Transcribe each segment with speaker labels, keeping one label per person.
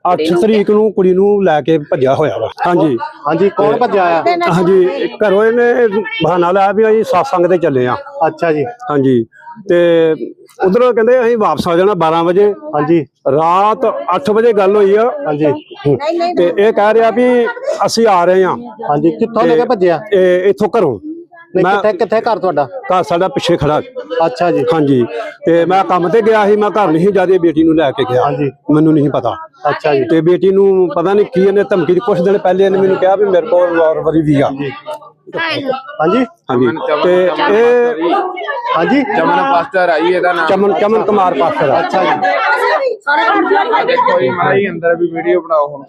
Speaker 1: 8 ਤਰੀਕ ਨੂੰ ਕੁੜੀ ਨੂੰ ਲੈ ਕੇ ਭੱਜਿਆ ਹੋਇਆ ਵਾ। ਹਾਂਜੀ
Speaker 2: ਹਾਂਜੀ, ਕੌਣ ਭੱਜਿਆ ਆ?
Speaker 1: ਹਾਂਜੀ, ਘਰੋਂ ਇਹਨੇ ਬਹਾਨਾ ਲਾਇਆ ਵੀ ਅਸੀਂ satsang ਤੇ ਚੱਲੇ ਆ।
Speaker 2: ਅੱਛਾ ਜੀ।
Speaker 1: ਹਾਂਜੀ, ਤੇ ਉਧਰੋਂ ਕਹਿੰਦੇ ਅਸੀਂ ਵਾਪਸ ਆ ਜਾਣਾ 12 ਵਜੇ। ਹਾਂਜੀ, ਰਾਤ 8 ਵਜੇ ਗੱਲ ਹੋਈ ਆ। ਹਾਂਜੀ, ਤੇ ਇਹ ਕਹਿ ਰਿਹਾ ਵੀ ਅਸੀਂ ਆ ਰਹੇ ਹਾਂ।
Speaker 2: ਹਾਂਜੀ, ਕਿੱਥੋਂ ਲੈ ਕੇ ਭੱਜਿਆ?
Speaker 1: ਇੱਥੋਂ ਘਰੋਂ।
Speaker 2: ਕਿੱਥੇ ਘਰ ਤੁਹਾਡਾ?
Speaker 1: ਘਰ ਸਾਡਾ ਪਿੱਛੇ ਖੜਾ।
Speaker 2: ਅੱਛਾ ਜੀ।
Speaker 1: ਹਾਂਜੀ, ਤੇ ਮੈਂ ਕੰਮ ਤੇ ਗਿਆ ਸੀ, ਮੈਂ ਘਰ ਨਹੀਂ ਜਿਆਦਾ ਬੇਟੀ ਨੂੰ ਲੈ ਕੇ ਗਿਆ। ਹਾਂਜੀ, ਮੈਨੂੰ ਨਹੀਂ ਪਤਾ। ਅੱਛਾ ਜੀ। ਤੇ ਬੇਟੀ ਨੂੰ ਪਤਾ ਨਹੀਂ ਕੀ ਇਹਨੇ ਧਮਕੀ ਦੀ, ਕੁਛ ਦਿਨ ਪਹਿਲੇ ਇਹਨੇ ਮੈਨੂੰ ਕਿਹਾ ਵੀ ਮੇਰੇ ਕੋਲ ਰਿਵਾਲਵਰ ਵੀ ਆ। ਹਾਂਜੀ ਹਾਂਜੀ, ਤੇ ਇਹ ਹਾਂਜੀ
Speaker 3: ਚਮਨ ਪਾਸਟਰ ਆਈ ਇਹਦਾ ਨਾਮ
Speaker 1: ਚਮਨ ਕੁਮਾਰ ਪਾਸਟਰ। ਅੱਛਾ ਜੀ।
Speaker 3: ਦੇਖੋ ਜੀ ਮਾੜਾ ਜੀ ਅੰਦਰ ਵੀ ਵੀਡੀਓ ਬਣਾਓ ਹੁਣ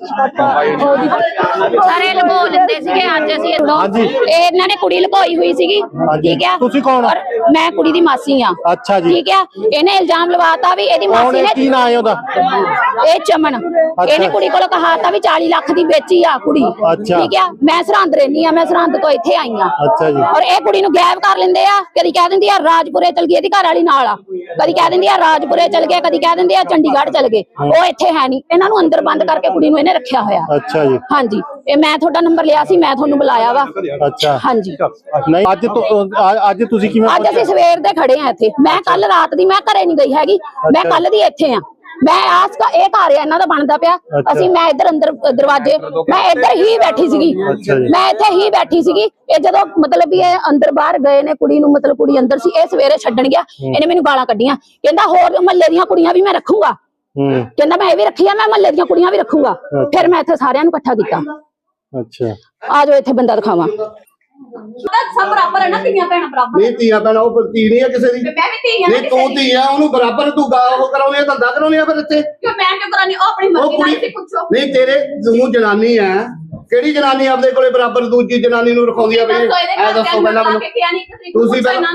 Speaker 4: ਸਾਰੇ ਲੁਕੋ ਲੈਂਦੇ ਸੀਗੇ। ਅੱਜ ਅਸੀਂ ਇਹਨਾਂ ਨੇ ਕੁੜੀ ਲੁਕੋਈ ਹੋਈ ਸੀਗੀ। ਠੀਕ ਹੈ,
Speaker 2: ਤੁਸੀਂ ਕੌਣ?
Speaker 4: ਮੈਂ ਕੁੜੀ ਦੀ ਮਾਸੀ ਆ।
Speaker 2: ਅੱਛਾ ਜੀ।
Speaker 4: ਠੀਕ ਹੈ, ਇਹਨੇ ਇਲਜ਼ਾਮ ਲਵਾਤਾ ਵੀ ਇਹਦੀ ਮਾਸੀ ਨੇ।
Speaker 2: ਕੀ ਨਾਂ ਹੈ ਉਹਦਾ?
Speaker 4: ਇਹ ਚਮਨ। ਇਹਨੇ ਕੁੜੀ ਕੋਲ ਕਹਾਤਾ ਵੀ 40 ਲੱਖ ਦੀ ਵੇਚੀ ਆ ਕੁੜੀ। ਠੀਕ ਹੈ, ਮੈਂ ਸਰਹੰਦ ਰਹਿੰਦੀ ਆ, ਮੈਂ ਸਰਹੰਦ ਤੋਂ ਇੱਥੇ ਆਈ ਆ।
Speaker 2: ਅੱਛਾ ਜੀ।
Speaker 4: ਔਰ ਇਹ ਕੁੜੀ ਨੂੰ ਗਾਇਬ ਕਰ ਲੈਂਦੇ ਆ। ਕਦੀ ਕਹਿ ਦਿੰਦੀ ਆ ਰਾਜਪੁਰੇ ਚਲ ਗਈ, ਇਹਦੀ ਘਰ ਵਾਲੀ ਨਾਲ ਆ। ਕਦੀ ਕਹਿ ਦਿੰਦੀ ਆ ਰਾਜਪੁਰੇ ਚਲ ਗਏ, ਕਦੀ ਕਹਿ ਦਿੰਦੇ ਆ ਚੰਡੀਗੜ੍ਹ ਚਲ ਗਏ। ਉਹ ਇੱਥੇ ਹੈ ਨਹੀਂ। ਇਹਨਾਂ ਨੂੰ ਅੰਦਰ ਬੰਦ ਕਰਕੇ ਕੁੜੀ ਨੂੰ ਇਹਨੇ ਰੱਖਿਆ ਹੋਇਆ।
Speaker 2: ਅੱਛਾ ਜੀ।
Speaker 4: ਹਾਂਜੀ, ਇਹ ਮੈਂ ਤੁਹਾਡਾ ਨੰਬਰ ਲਿਆ ਸੀ, ਮੈਂ ਤੁਹਾਨੂੰ ਬੁਲਾਇਆ ਵਾ।
Speaker 2: ਅੱਛਾ।
Speaker 4: ਹਾਂਜੀ,
Speaker 2: ਨਹੀਂ ਅੱਜ ਤੁਸੀਂ ਕਿਵੇਂ?
Speaker 4: ਅੱਜ ਅਸੀਂ ਸਵੇਰ ਦੇ ਖੜੇ ਆ ਇੱਥੇ। ਮੈਂ ਕੱਲ ਰਾਤ ਦੀ ਮੈਂ ਘਰੇ ਨਹੀਂ ਗਈ ਹੈਗੀ, ਮੈਂ ਕੱਲ ਦੀ ਇੱਥੇ ਆ। ਮੈਂ ਇਹ ਘਰ ਆ ਇਹਨਾਂ ਦਾ ਬਣਦਾ ਪਿਆ। ਮੈਂ ਇੱਧਰ ਅੰਦਰ ਦਰਵਾਜ਼ੇ, ਮੈਂ ਇੱਧਰ ਹੀ ਬੈਠੀ ਸੀਗੀ। ਮੈਂ ਇੱਥੇ ਹੀ ਬੈਠੀ ਸੀਗੀ। ਇਹ ਜਦੋਂ ਮਤਲਬ ਵੀ ਇਹ ਅੰਦਰ ਬਾਹਰ ਗਏ ਨੇ ਕੁੜੀ ਨੂੰ, ਮਤਲਬ ਕੁੜੀ ਅੰਦਰ ਸੀ, ਇਹ ਸਵੇਰੇ ਛੱਡਣ ਗਿਆ। ਇਹਨੇ ਮੈਨੂੰ ਗਾਲਾਂ ਕੱਢੀਆਂ, ਕਹਿੰਦਾ ਹੋਰ ਮਹੱਲੇ ਦੀਆਂ ਕੁੜੀਆਂ ਵੀ ਮੈਂ ਰੱਖੂੰਗਾ। ਕਹਿੰਦਾ ਮੈਂ ਇਹ ਵੀ ਰੱਖੀ ਆ, ਮੈਂ ਮਹੱਲੇ ਦੀਆਂ ਕੁੜੀਆਂ ਵੀ ਰੱਖੂੰਗਾ। ਫਿਰ ਮੈਂ ਇੱਥੇ ਸਾਰਿਆਂ ਨੂੰ ਇਕੱਠਾ ਕੀਤਾ।
Speaker 2: ਅੱਛਾ,
Speaker 4: ਆ ਜਾਓ ਇੱਥੇ ਬੰਦਾ ਦਿਖਾਵਾਂ।
Speaker 5: ਸਭ ਬਰਾਬਰ ਹੈ ਨਾ, ਧੀਆਂ ਭੈਣਾਂ ਬਰਾਬਰ।
Speaker 6: ਨਹੀਂ ਧੀਆਂ ਭੈਣਾਂ ਉਹ ਧੀ ਨਹੀਂ ਹੈ ਕਿਸੇ ਦੀ।
Speaker 5: ਮੈਂ ਵੀ ਧੀ ਆ।
Speaker 6: ਨਹੀਂ ਤੂੰ ਧੀ ਆ, ਉਹਨੂੰ ਬਰਾਬਰ ਤੂੰ ਉਹ ਕਰਾਉਣੀ ਆ, ਧੰਦਾ ਕਰਾਉਣੀ ਆ ਫਿਰ ਇੱਥੇ।
Speaker 5: ਕਿਉਂ ਮੈਂ ਕਿਉਂ ਕਰਾਨੀ? ਉਹ ਆਪਣੀ ਮਰਜ਼ੀ ਨਾਲ ਸੀ, ਪੁੱਛੋ।
Speaker 6: ਨਹੀਂ ਤੇਰੇ ਤੂੰ ਜਨਾਨੀ ਆ, ਕਿਹੜੀ ਜਨਾਨੀ ਆਪਦੇ ਕੋਲੇ ਬਰਾਬਰ ਦੂਜੀ ਜਨਾਨੀ ਨੂੰ ਰਖਾਉਂਦੀ ਆ? ਬਈ ਐ ਦੱਸੋ ਪਹਿਲਾਂ ਮੈਨੂੰ। ਤੁਸੀਂ ਪਹਿਲਾਂ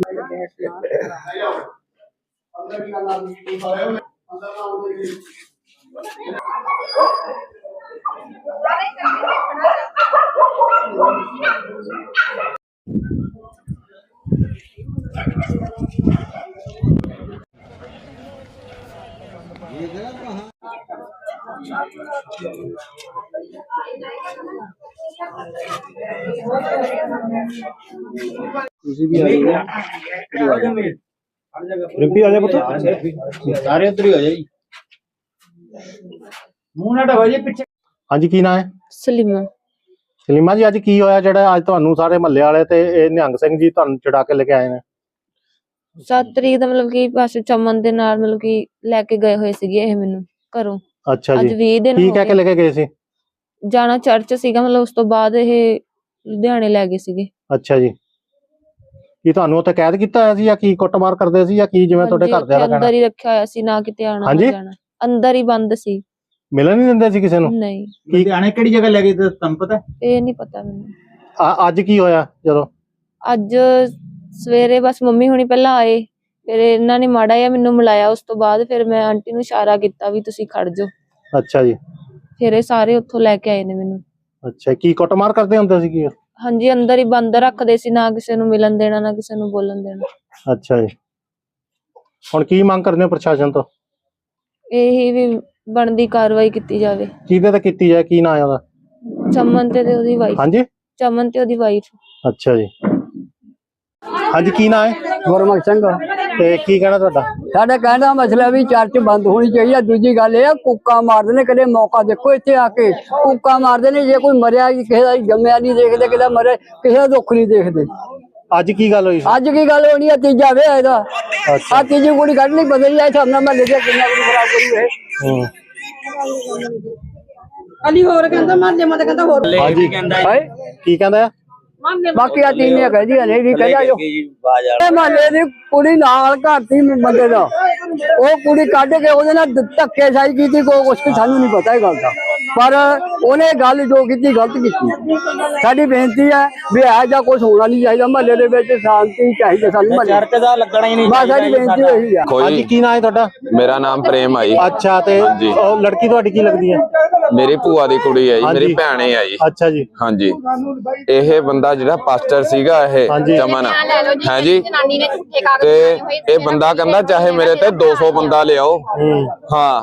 Speaker 1: ਤੁਸੀਂ ਵੀ ਆ ਜਾਓ। ਰਿੰਪੀ ਆ ਜਾ ਪੁੱਤ, ਸਾਰੇ ਉੱਧਰ ਹੀ ਹੋ ਜਾਈ। ਮੂੰਹ ਨਾ ਢਵਾ ਜੀ ਪਿੱਛੇ।
Speaker 2: ਹਾਂਜੀ, ਕੀ ਨਾਂ ਹੈ?
Speaker 7: ਸਲੀਮਾ।
Speaker 2: ਸਲੀਮਾ ਜੀ, ਅੱਜ ਕੀ ਹੋਇਆ ਜਿਹੜਾ ਅੱਜ ਤੁਹਾਨੂੰ ਸਾਰੇ ਮਹੱਲੇ ਵਾਲੇ ਤੇ ਇਹ ਨਿਹੰਗ ਸਿੰਘ ਜੀ ਤੁਹਾਨੂੰ ਚੜਾ ਕੇ ਲੈ ਕੇ ਆਏ ਨੇ?
Speaker 7: 7 ਤਰੀਕ ਦਾ ਮਤਲਬ ਕਿ ਬਸ ਚਮਨ ਦੇ ਨਾਲ ਮਤਲਬ ਕਿ ਲੈ ਕੇ ਗਏ ਹੋਏ ਸੀਗੇ ਇਹ ਮੈਨੂੰ ਘਰੋਂ।
Speaker 2: ਅੱਛਾ
Speaker 7: ਅੱਜ
Speaker 2: ਜੀ।
Speaker 7: 20 ਦਿਨ
Speaker 2: ਕੀ ਕਹਿ ਕੇ ਲੈ ਕੇ ਗਏ ਸੀ?
Speaker 7: ਜਾਣਾ ਚਰਚ ਸੀਗਾ, ਮਤਲਬ ਉਸ ਤੋਂ ਬਾਅਦ ਇਹ ਲੁਧਿਆਣੇ ਲੈ ਗਏ ਸੀਗੇ।
Speaker 2: ਅੱਛਾ ਜੀ। ਕੀ ਤੁਹਾਨੂੰ ਉੱਥੇ ਕੈਦ ਕੀਤਾ ਹੋਇਆ ਸੀ ਜਾਂ ਕੀ ਕੁੱਟਮਾਰ ਕਰਦੇ ਸੀ ਜਾਂ ਕੀ, ਜਿਵੇਂ ਤੁਹਾਡੇ ਘਰਦਿਆਂ ਦਾ ਕਹਿਣਾ?
Speaker 7: ਅੰਦਰ ਹੀ ਰੱਖਿਆ ਹੋਇਆ ਸੀ, ਨਾ ਕਿਤੇ ਆਣਾ ਨਾ ਜਾਣਾ, ਅੰਦਰ ਹੀ ਬੰਦ ਸੀ।
Speaker 2: ਮਿਲਣ ਨਹੀਂ ਦਿੰਦੇ ਸੀ ਕਿਸੇ ਨੂੰ?
Speaker 7: ਨਹੀਂ।
Speaker 1: ਲੁਧਿਆਣੇ ਕਿਹੜੀ ਜਗ੍ਹਾ ਲੈ ਗਏ ਤੇ ਤੁਹਾਨੂੰ ਪਤਾ?
Speaker 7: ਇਹ ਨਹੀਂ ਪਤਾ ਮੈਨੂੰ।
Speaker 2: ਅੱਜ ਕੀ ਹੋਇਆ ਜਦੋਂ?
Speaker 7: ਅੱਜ ਸਵੇਰੇ ਬਸ ਮੰਮੀ ਹੁਣੀ ਪਹਿਲਾਂ ਆਏ, ਫਿਰ ਇਹਨਾਂ ਨੇ ਮਾੜਾ ਜਿਹਾ ਮੈਨੂੰ ਮਿਲਾਇਆ। ਉਸ ਤੋਂ ਬਾਅਦ ਫਿਰ ਮੈਂ ਆਂਟੀ ਨੂੰ ਇਸ਼ਾਰਾ ਕੀਤਾ ਵੀ ਤੁਸੀਂ ਖੜ ਜਾਓ।
Speaker 2: ਅੱਛਾ ਜੀ।
Speaker 7: ਫਿਰ ਇਹ ਸਾਰੇ ਉੱਥੋਂ ਲੈ ਕੇ ਆਏ ਨੇ ਮੈਨੂੰ।
Speaker 2: ਅੱਛਾ, ਕੀ ਕੁੱਟਮਾਰ ਕਰਦੇ ਹੁੰਦੇ ਸੀ ਕੀ?
Speaker 7: ਹਾਂਜੀ, ਅੰਦਰ ਹੀ ਬੰਦ ਰੱਖਦੇ ਸੀ, ਨਾ ਕਿਸੇ ਨੂੰ ਮਿਲਣ ਦੇਣਾ ਨਾ ਕਿਸੇ ਨੂੰ ਬੋਲਣ ਦੇਣਾ।
Speaker 2: ਅੱਛਾ ਜੀ। ਹੁਣ ਕੀ ਮੰਗ ਕਰਦੇ ਹੋ ਪ੍ਰਸ਼ਾਸਨ ਤੋਂ?
Speaker 7: ਇਹੀ ਵੀ ਬਣਦੀ ਕਾਰਵਾਈ ਕੀਤੀ ਜਾਵੇ।
Speaker 2: ਕਿਹਦੇ ਤੇ ਕੀਤੀ ਜਾਏ? ਕੀ ਨਾਂ ਹੈ ਉਹਦਾ?
Speaker 7: ਚਮਨ ਤੇ ਉਹਦੀ ਵਾਈਫ।
Speaker 2: ਹਾਂਜੀ,
Speaker 7: ਚਮਨ ਤੇ ਉਹਦੀ ਵਾਈਫ।
Speaker 2: ਅੱਛਾ ਜੀ। ਹਾਂਜੀ, ਕੀ ਨਾਂ ਹੈ?
Speaker 8: ਗੁਰਮੁਖ ਸਿੰਘ।
Speaker 2: ਤੇ ਕੀ ਕਹਿਣਾ ਤੁਹਾਡਾ?
Speaker 8: ਸਾਡਾ ਕਹਿਣ ਦਾ ਮਸਲਾ ਵੀ ਚਰਚ ਬੰਦ ਹੋਣੀ ਚਾਹੀਦੀ। ਦੂਜੀ ਗੱਲ ਇਹ ਆ, ਕੂਕਾਂ ਮਾਰਦੇ ਨੇ। ਕਦੇ ਮੌਕਾ ਦੇਖੋ ਇੱਥੇ ਆ ਕੇ ਕੂਕਾਂ ਮਾਰਦੇ ਨੇ। ਜੇ ਕੋਈ ਮਰਿਆ, ਕਿਸੇ ਦਾ ਜੰਮਿਆ ਨਹੀਂ ਦੇਖਦੇ, ਕਿਸੇ ਦਾ ਮਰਿਆ, ਕਿਸੇ ਦਾ ਦੁੱਖ ਨਹੀਂ ਦੇਖਦੇ।
Speaker 2: ਅੱਜ ਕੀ ਗੱਲ ਹੋਈ?
Speaker 8: ਅੱਜ ਕੀ ਗੱਲ ਹੋਣੀ ਆ? ਤੀਜਾ ਵਿਆਹ ਇਹਦਾ। ਆ ਤੀਜੀ ਕੁੜੀ ਕੱਢ ਲਈ, ਬਦਲ ਜਾਏ ਸਾਹਮਣੇ ਮਹੱਲੇ ਦੇ ਕਿੰਨਾ ਕੁ ਖਰਾਬ ਕਰੀ ਇਹ।
Speaker 5: ਅਲੀ ਹੋਰ ਕਹਿੰਦਾ ਮਹੱਲੇ ਮਤ ਕਹਿੰਦਾ ਹੋਰ।
Speaker 2: ਹਾਂਜੀ, ਕੀ ਕਹਿੰਦਾ?
Speaker 8: ਬਾਕੀ ਆ ਤੀਨੇ ਕਹਦੀਆਂ ਨੇ, ਨਹੀਂ ਕਹਿੰਦਾ ਜੋ ਇਹ ਮਹੱਲੇ ਦੀ ਕੁੜੀ ਨਾਲ ਘਰ ਦੀ ਬੰਦੇ ਦਾ, ਉਹ ਕੁੜੀ ਕੱਢ ਕੇ ਉਹਦੇ ਨਾਲ ਧੱਕੇ ਸਾਈ ਕੀਤੀ। ਕੋਈ ਕੁਛ ਸਾਨੂੰ ਨਹੀਂ ਪਤਾ ਇਹ ਗੱਲ ਦਾ। ਪਰ ਉਹਨੇ ਗੱਲ ਜੋ ਕੀਤੀ ਗਲਤ ਕੀਤੀ। ਸਾਡੀ ਬੇਨਤੀ ਹੈ ਵੀ ਇਹੋ ਜਿਹਾ ਕੁਝ ਹੋਣਾ ਨਹੀਂ ਚਾਹੀਦਾ, ਮਹੱਲੇ ਦੇ ਵਿੱਚ ਸ਼ਾਂਤੀ ਚਾਹੀਦੀ ਸਾਨੂੰ, ਮਹੱਲੇ
Speaker 3: ਚਰਚ ਦਾ ਲੱਗਣਾ ਹੀ ਨਹੀਂ
Speaker 8: ਬਸ ਸਾਡੀ ਬੇਨਤੀ ਇਹੀ ਆ।
Speaker 2: ਹਾਂਜੀ, ਕੀ ਨਾਂ ਹੈ ਤੁਹਾਡਾ?
Speaker 9: ਮੇਰਾ ਨਾਮ ਪ੍ਰੇਮ ਆ ਜੀ।
Speaker 2: ਅੱਛਾ, ਤੇ ਉਹ ਲੜਕੀ ਤੁਹਾਡੀ ਕੀ ਲੱਗਦੀ ਹੈ?
Speaker 9: ਮੇਰੀ ਭੂਆ ਦੀ ਕੁੜੀ ਹੈ ਜੀ, ਮੇਰੀ ਭੈਣ ਹੀ ਆ ਜੀ।
Speaker 2: ਅੱਛਾ ਜੀ।
Speaker 9: ਹਾਂਜੀ, ਇਹ ਬੰਦਾ ਜਿਹੜਾ ਪਾਸਟਰ ਸੀਗਾ ਇਹ ਚਮਨ ਹੈ ਜੀ, ਤੇ ਇਹ ਬੰਦਾ ਕਹਿੰਦਾ ਚਾਹੇ ਮੇਰੇ ਤੇ 200 ਬੰਦਾ ਲਿਆਓ, ਹਾਂ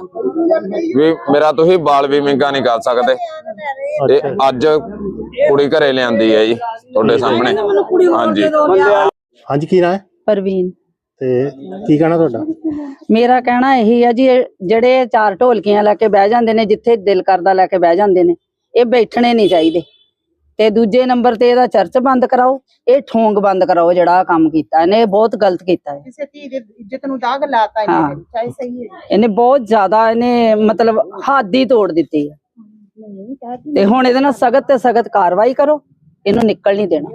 Speaker 9: ਵੀ ਮੇਰਾ ਤੁਸੀਂ ਬਾਲ ਵੀ ਮਿੰਗਾ ਨਹੀਂ ਕਰ ਸਕਦੇ। ਤੇ ਅੱਜ ਕੁੜੀ ਘਰੇ ਲਿਆਂਦੀ ਹੈ ਜੀ ਤੁਹਾਡੇ ਸਾਹਮਣੇ। ਹਾਂਜੀ
Speaker 2: ਹਾਂਜੀ, ਕੀ ਨਾਂ ਹੈ?
Speaker 10: ਪ੍ਰਵੀਨ।
Speaker 2: ਤੇ ਕੀ ਕਹਿਣਾ ਤੁਹਾਡਾ?
Speaker 10: ਮੇਰਾ ਕਹਿਣਾ ਇਹੀ ਹੈ ਜੀ, ਜਿਹੜੇ ਚਾਰ ਢੋਲਕੀਆਂ ਲੈ ਕੇ ਬਹਿ ਜਾਂਦੇ ਨੇ, ਜਿੱਥੇ ਦਿਲ ਕਰਦਾ ਲੈ ਕੇ ਬਹਿ ਜਾਂਦੇ ਨੇ, ਇਹ ਬੈਠਣੇ ਨਹੀਂ ਚਾਹੀਦੇ। ਤੇ ਦੂਜੇ ਨੰਬਰ ਤੇ ਇਹਦਾ ਚਰਚ ਬੰਦ ਕਰਾਓ, ਇਹ ਠੋਂਗ ਬੰਦ ਕਰਾਓ। ਜਿਹੜਾ ਆਹ ਕੰਮ ਕੀਤਾ ਇਹਨੇ, ਇਹ ਬਹੁਤ ਗਲਤ ਕੀਤਾ ਹੈ।
Speaker 5: ਕਿਸੇ ਧੀ ਦੀ ਇੱਜ਼ਤ ਨੂੰ ਦਾਗ ਲਾਤਾ
Speaker 10: ਹਾਂ।
Speaker 5: ਚਾਹੇ ਸਹੀ ਹੈ।
Speaker 10: ਇਹਨੇ ਬਹੁਤ ਜ਼ਿਆਦਾ, ਇਹਨੇ ਮਤਲਬ ਹੱਦ ਹੀ ਤੋੜ ਦਿੱਤੀ ਹੈ। ਤੇ ਹੁਣ ਇਹਦੇ ਨਾਲ ਸਖਤ ਤੇ ਸਖਤ ਕਾਰਵਾਈ ਕਰੋ, ਇਹਨੂੰ ਨਿਕਲ ਨਹੀਂ ਦੇਣਾ।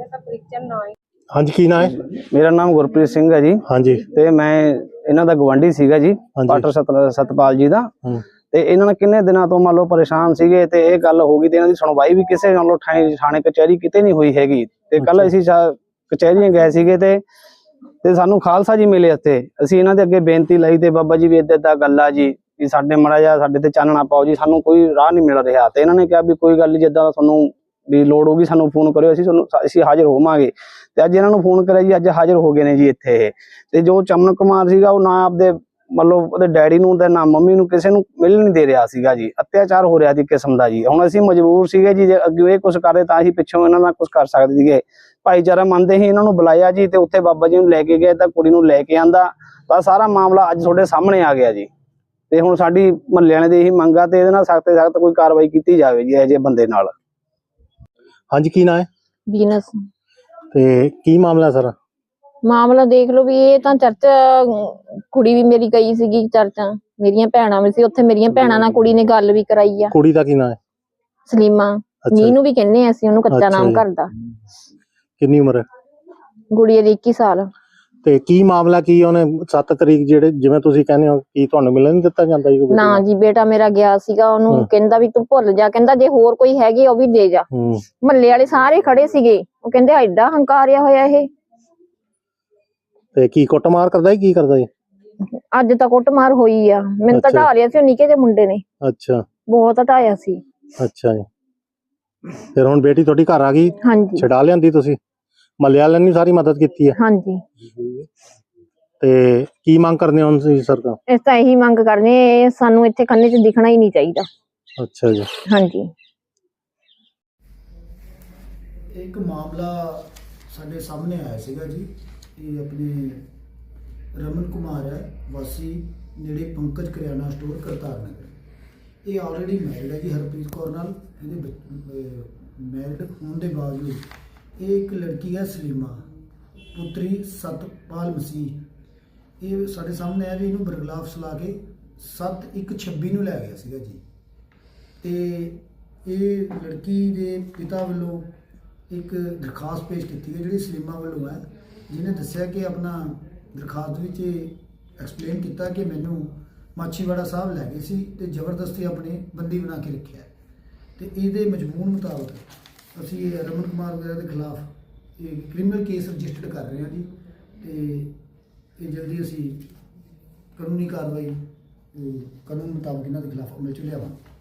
Speaker 2: ਹਾਂਜੀ, ਕੀ ਨਾਂ ਹੈ?
Speaker 1: ਮੇਰਾ ਨਾਮ ਗੁਰਪ੍ਰੀਤ ਸਿੰਘ ਹੈ ਜੀ।
Speaker 2: ਹਾਂਜੀ।
Speaker 1: ਤੇ ਮੈਂ ਇਹਨਾਂ ਦਾ ਗਵਾਂਢੀ ਸੀਗਾ ਜੀ, ਪਾਟਰ ਸਤਪਾਲ ਜੀ ਦਾ। ਤੇ ਇਹਨਾਂ ਨੇ ਕਿੰਨੇ ਦਿਨਾਂ ਤੋਂ ਮੰਨ ਲਓ ਪਰੇਸ਼ਾਨ ਸੀਗੇ, ਤੇ ਇਹ ਗੱਲ ਹੋ ਗਈ ਤੇ ਇਹਨਾਂ ਦੀ ਸੁਣਵਾਈ ਵੀ ਕਿਸੇ ਨਾਲੋਂ ਥਾਣੇ ਕਚਹਿਰੀ ਕਿਤੇ ਨਹੀਂ ਹੋਈ ਹੈਗੀ। ਤੇ ਕੱਲ ਅਸੀਂ ਕਚਹਿਰੀਆਂ ਗਏ ਸੀਗੇ ਤੇ ਸਾਨੂੰ ਖਾਲਸਾ ਜੀ ਮਿਲੇ ਇੱਥੇ। ਅਸੀਂ ਇਹਨਾਂ ਦੇ ਅੱਗੇ ਬੇਨਤੀ ਲਈ ਤੇ ਬਾਬਾ ਜੀ ਵੀ ਏਦਾਂ ਗੱਲ ਆ ਜੀ, ਵੀ ਸਾਡੇ ਮਾੜਾ ਜਿਹਾ ਸਾਡੇ ਤੇ ਚਾਨਣਾ ਪਾਓ ਜੀ, ਸਾਨੂੰ ਕੋਈ ਰਾਹ ਨਹੀਂ ਮਿਲ ਰਿਹਾ। ਤੇ ਇਹਨਾਂ ਨੇ ਕਿਹਾ ਵੀ ਕੋਈ ਗੱਲ ਨਹੀਂ, ਜਿੱਦਾਂ ਤੁਹਾਨੂੰ ਵੀ ਲੋੜ ਹੋਗੀ ਸਾਨੂੰ ਫੋਨ ਕਰਿਓ, ਅਸੀਂ ਹਾਜ਼ਰ ਹੋਵਾਂਗੇ। ਤੇ ਅੱਜ ਇਹਨਾਂ ਨੂੰ ਫੋਨ ਕਰਿਆ ਜੀ, ਅੱਜ ਹਾਜ਼ਰ ਹੋ ਗਏ ਨੇ ਜੀ ਇੱਥੇ ਇਹ। ਤੇ ਜੋ ਚਮਨ ਕੁਮਾਰ ਸੀਗਾ, ਉਹ ਨਾ ਆਪਦੇ ਮਤਲਬ ਉਹਦੇ ਡੈਡੀ ਨੂੰ ਤੇ ਨਾ ਮੰਮੀ ਨੂੰ ਕਿਸੇ ਨੂੰ ਮਿਲ ਨਹੀਂ ਦੇ ਰਿਹਾ ਸੀਗਾ ਜੀ। ਅਤਿਆਚਾਰ ਹੋ ਰਿਹਾ ਸੀ ਕਿਸਮ ਦਾ ਜੀ। ਹੁਣ ਅਸੀਂ ਮਜਬੂਰ ਸੀਗੇ ਜੀ, ਜੇ ਅੱਗੇ ਇਹ ਕੁਝ ਕਰਦੇ ਤਾਂ ਅਸੀਂ ਪਿੱਛੋਂ ਇਹਨਾਂ ਨਾਲ ਕੁਝ ਕਰ ਸਕਦੇ ਸੀਗੇ। ਭਾਈਚਾਰਾ ਮੰਨਦੇ ਹੀ ਇਹਨਾਂ ਨੂੰ ਬੁਲਾਇਆ ਜੀ, ਤੇ ਉੱਥੇ ਬਾਬਾ ਜੀ ਨੂੰ ਲੈ ਕੇ ਗਏ, ਤਾਂ ਕੁੜੀ ਨੂੰ ਲੈ ਕੇ ਆਂਦਾ, ਤਾਂ ਸਾਰਾ ਮਾਮਲਾ ਅੱਜ ਤੁਹਾਡੇ ਸਾਹਮਣੇ ਆ ਗਿਆ ਜੀ। ਤੇ ਹੁਣ ਸਾਡੀ ਮਹੱਲੇ ਵਾਲਿਆਂ ਦੀ ਇਹੀ ਮੰਗ ਆ, ਤੇ ਇਹਦੇ ਨਾਲ ਸਖਤ ਤੋਂ ਸਖਤ ਕੋਈ ਕਾਰਵਾਈ ਕੀਤੀ ਜਾਵੇ ਜੀ ਇਹੋ ਜਿਹੇ ਬੰਦੇ ਨਾਲ।
Speaker 2: ਹਾਂਜੀ, ਕੀ ਨਾਂ ਹੈ?
Speaker 7: ਵੀਨਸ।
Speaker 2: ਤੇ ਕੀ ਮਾਮਲਾ ਸਰ?
Speaker 7: ਮਾਮਲਾ ਦੇਖ ਲਓ ਵੀ ਇਹ ਤਾਂ ਚਰਚ, ਕੁੜੀ ਵੀ ਮੇਰੀ ਗਈ ਸੀਗੀ ਚਰਚਾਂ, ਮੇਰੀਆਂ ਭੈਣਾਂ ਵੀ ਸੀ ਉੱਥੇ, ਮੇਰੀਆਂ ਭੈਣਾਂ ਨਾਲ ਕੁੜੀ ਨੇ ਗੱਲ ਵੀ ਕਰਾਈ ਆ।
Speaker 2: ਕੁੜੀ ਦਾ ਕੀ ਨਾਂ ਹੈ?
Speaker 7: ਸਲੀਮਾ। ਨੀਨੂ ਵੀ ਕਹਿੰਦੇ ਆ ਅਸੀਂ ਉਹਨੂੰ, ਕੱਚਾ ਨਾਮ ਕਰਦਾ।
Speaker 2: ਕਿੰਨੀ ਉਮਰ ਹੈ?
Speaker 7: ਗੁੜੀਆ ਦੀ 21 ਸਾਲ।
Speaker 2: ਤੇ ਕੀ ਮਾਮਲਾ ਕੀ ਉਹਨੇ 7 ਤਰੀਕ ਜਿਹੜੇ ਜਿਵੇਂ ਤੁਸੀਂ ਕਹਿੰਦੇ ਹੋ, ਕੀ ਤੁਹਾਨੂੰ ਮਿਲਣ ਨਹੀਂ ਦਿੱਤਾ ਜਾਂਦਾ ਜੀ?
Speaker 7: ਨਾ ਜੀ, ਬੇਟਾ ਮੇਰਾ ਗਿਆ ਸੀਗਾ, ਉਹਨੂੰ ਕਹਿੰਦਾ ਵੀ ਤੂੰ ਭੁੱਲ ਜਾ, ਕਹਿੰਦਾ ਜੇ ਹੋਰ ਕੋਈ ਹੈਗੀ ਉਹ ਵੀ ਦੇ ਜਾ। ਮਹੱਲੇ ਵਾਲੇ ਸਾਰੇ ਖੜੇ ਸੀਗੇ, ਉਹ ਕਹਿੰਦੇ ਐਡਾ ਹੰਕਾਰਿਆ ਹੋਇਆ ਇਹ।
Speaker 2: ਤੇ ਕੀ ਕੁੱਟਮਾਰ ਕਰਦਾ ਹੈ, ਕੀ ਕਰਦਾ ਹੈ?
Speaker 7: ਅੱਜ ਤਾਂ ਕੁੱਟਮਾਰ ਹੋਈ ਆ, ਮੈਨੂੰ ਤਾਂ ਢਾ ਲਿਆ ਸੀ ਉਹ ਨਿੱਕੇ ਜਿਹੇ ਮੁੰਡੇ ਨੇ।
Speaker 2: ਅੱਛਾ,
Speaker 7: ਬਹੁਤ ਹਟਾਇਆ ਸੀ।
Speaker 2: ਅੱਛਾ ਜੀ। ਫਿਰ ਹੁਣ ਬੇਟੀ ਤੁਹਾਡੀ ਘਰ ਆ ਗਈ?
Speaker 7: ਹਾਂਜੀ।
Speaker 2: ਛਡਾ ਲਿਆਂਦੀ ਤੁਸੀਂ? ਮਹੱਲੇ ਵਾਲਿਆਂ ਨੇ ਸਾਰੀ ਮਦਦ ਕੀਤੀ ਹੈ?
Speaker 7: ਹਾਂਜੀ।
Speaker 2: ਤੇ ਕੀ ਮੰਗ ਕਰਨੇ ਹੋ ਤੁਸੀਂ ਸਰਕਾਰ?
Speaker 7: ਇਸ ਤਾਂ ਇਹੀ ਮੰਗ ਕਰਨੇ, ਇਹ ਸਾਨੂੰ ਇੱਥੇ ਖੰਨੇ 'ਚ ਦਿਖਣਾ ਹੀ ਨਹੀਂ ਚਾਹੀਦਾ।
Speaker 2: ਅੱਛਾ ਜੀ।
Speaker 7: ਹਾਂਜੀ।
Speaker 11: ਇੱਕ ਮਾਮਲਾ ਸਾਡੇ ਸਾਹਮਣੇ ਆਇਆ ਸੀਗਾ ਜੀ। ਇਹ ਆਪਣੇ ਰਮਨ ਕੁਮਾਰ ਹੈ, ਵਾਸੀ ਨੇੜੇ ਪੰਕਜ ਕਰਿਆਨਾ ਸਟੋਰ ਕਰਤਾਰ ਨਗਰ। ਇਹ ਆਲਰੇਡੀ ਮੈਰਿਡ ਹੈ ਜੀ ਹਰਪ੍ਰੀਤ ਕੌਰ ਨਾਲ। ਇਹਦੇ ਮੈਰਿਡ ਹੋਣ ਦੇ ਬਾਵਜੂਦ ਇਹ ਇੱਕ ਲੜਕੀ ਹੈ ਸਲੀਮਾ, ਪੁੱਤਰੀ ਸਤਪਾਲ ਮਸੀਹ। ਇਹ ਸਾਡੇ ਸਾਹਮਣੇ ਆਇਆ ਵੀ ਇਹਨੂੰ ਬਰਗਲਾਫ ਸਲਾ ਕੇ 7/1/26 ਨੂੰ ਲੈ ਗਿਆ ਸੀਗਾ ਜੀ। ਤੇ ਇਹ ਲੜਕੀ ਦੇ ਪਿਤਾ ਵੱਲੋਂ ਇੱਕ ਦਰਖਾਸਤ ਪੇਸ਼ ਕੀਤੀ ਹੈ ਜਿਹੜੀ ਸਲੀਮਾ ਵੱਲੋਂ ਹੈ, ਜਿਹਨੇ ਦੱਸਿਆ ਕਿ ਆਪਣਾ ਦਰਖਾਸਤ ਵਿੱਚ ਐਕਸਪਲੇਨ ਕੀਤਾ ਕਿ ਮੈਨੂੰ ਮਾਛੀਵਾੜਾ ਸਾਹਿਬ ਲੈ ਗਏ ਸੀ ਤੇ ਜ਼ਬਰਦਸਤੀ ਆਪਣੇ ਬੰਦੀ ਬਣਾ ਕੇ ਰੱਖਿਆ। ਤੇ ਇਹਦੇ ਮਜ਼ਮੂਨ ਮੁਤਾਬਕ ਅਸੀਂ ਰਮਨ ਕੁਮਾਰ ਵਗੈਰਾ ਦੇ ਖਿਲਾਫ ਇਹ ਕ੍ਰਿਮੀਨਲ ਕੇਸ ਰਜਿਸਟਰਡ ਕਰ ਰਹੇ ਹਾਂ ਜੀ। ਤੇ ਇਹ ਜਲਦੀ ਅਸੀਂ ਕਾਨੂੰਨੀ ਕਾਰਵਾਈ ਕਾਨੂੰਨ ਮੁਤਾਬਕ ਇਹਨਾਂ ਦੇ ਖਿਲਾਫ ਅਮਲ 'ਚ ਲਿਆਵਾਂਗੇ।